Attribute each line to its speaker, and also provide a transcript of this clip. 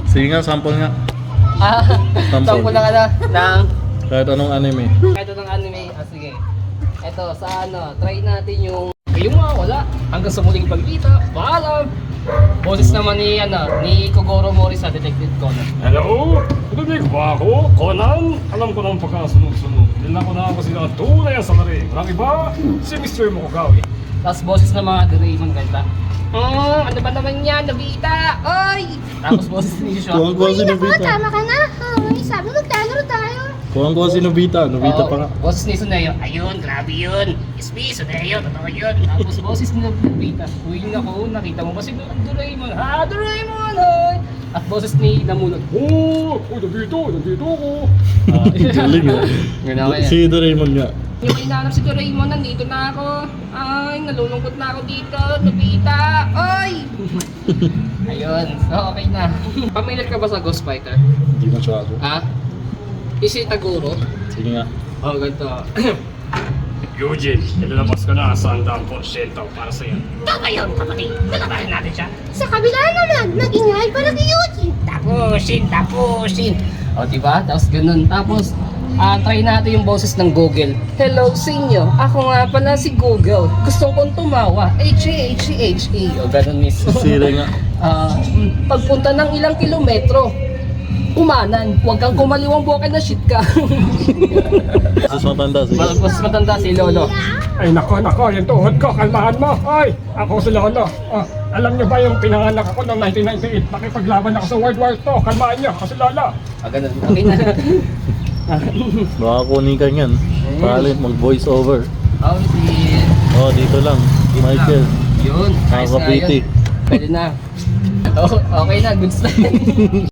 Speaker 1: Sige nga, sample nga.
Speaker 2: Sample lang ng
Speaker 1: Kahit anong anime.
Speaker 2: kahit anong anime. Sige. Eto, sa try natin yung wala. Hanggang sa muling pagkita. Paalam! Boses naman ni Kogoro Mori sa Detective Conan.
Speaker 3: Hello? Narinig ba ako? Conan? Alam ko ng pagkasunog-sunog. Nila ko na ako sila tunay ang salari. Walang iba, si Mr. Mokogawi.
Speaker 2: Tapos boses ng mga Doraemon kanta. Ano ba naman yan? Nobita! Oy! Tapos boses ni Shoshu.
Speaker 1: Kuwang-kuwang si Nobita.
Speaker 4: Tama ka na. Sabi mo, maglalaro tayo.
Speaker 1: Kuwang-kuwang si Nobita. Nobita pa nga.
Speaker 2: Boses ni Suneyo. Ayun, grabe yun. SP, Suneyo, totoo yun. Tapos boses ni Nobita. Uy, naku, nakita mo ba si Doraemon? Ha, Doraemon, hoy! At boses ni Namunot.
Speaker 3: Nandito ako.
Speaker 1: Galing ah.
Speaker 2: Ginawa yan.
Speaker 1: Si Doraemon nga.
Speaker 2: Yung inaanap si Doraemon, nandito na ako. Ay, nalulungkot na ako dito. Nobita! Ay! Ayun, so okay na. Familiar ka ba sa Ghost Fighter?
Speaker 1: Hindi masyado.
Speaker 2: Ha? Isi Taguro?
Speaker 1: Sige nga.
Speaker 2: Ganito.
Speaker 3: Eugene, ilalabas ko na sa 100% para sa'yo.
Speaker 2: Ngayon, kapatid, lalabahin natin siya.
Speaker 4: Sa kabila naman, nag-ingay pa ng Eugene.
Speaker 2: Tapusin. O, diba? Tapos ganun. Tapos, try natin yung boses ng Google. Hello sa inyo. Ako nga pala si Google. Gusto kong tumawa. H-A-H-A-H-A. O, ganun mismo.
Speaker 1: Sira nga.
Speaker 2: Pagpunta ng ilang kilometro, umanan. Huwag kang kumaliwang buwakin na shit ka.
Speaker 1: Mas matanda. Sige.
Speaker 2: Mas matanda si Lolo.
Speaker 3: Ay nako, yung tuhod ko, kalmahan mo. Ay, ako si Lolo. Alam niyo ba yung pinanganak ako noong 1998? Nakipaglaban ako sa World War II. Kalmahan niyo, ako si Lolo.
Speaker 2: Ganun. Okay na.
Speaker 1: Baka kunin ka yan. Palit mag-voice over. Oh, dito lang. Michael.
Speaker 2: Yun. Nice na
Speaker 1: Nakakapiti.
Speaker 2: yun. Pwede na. Okay na, goods na.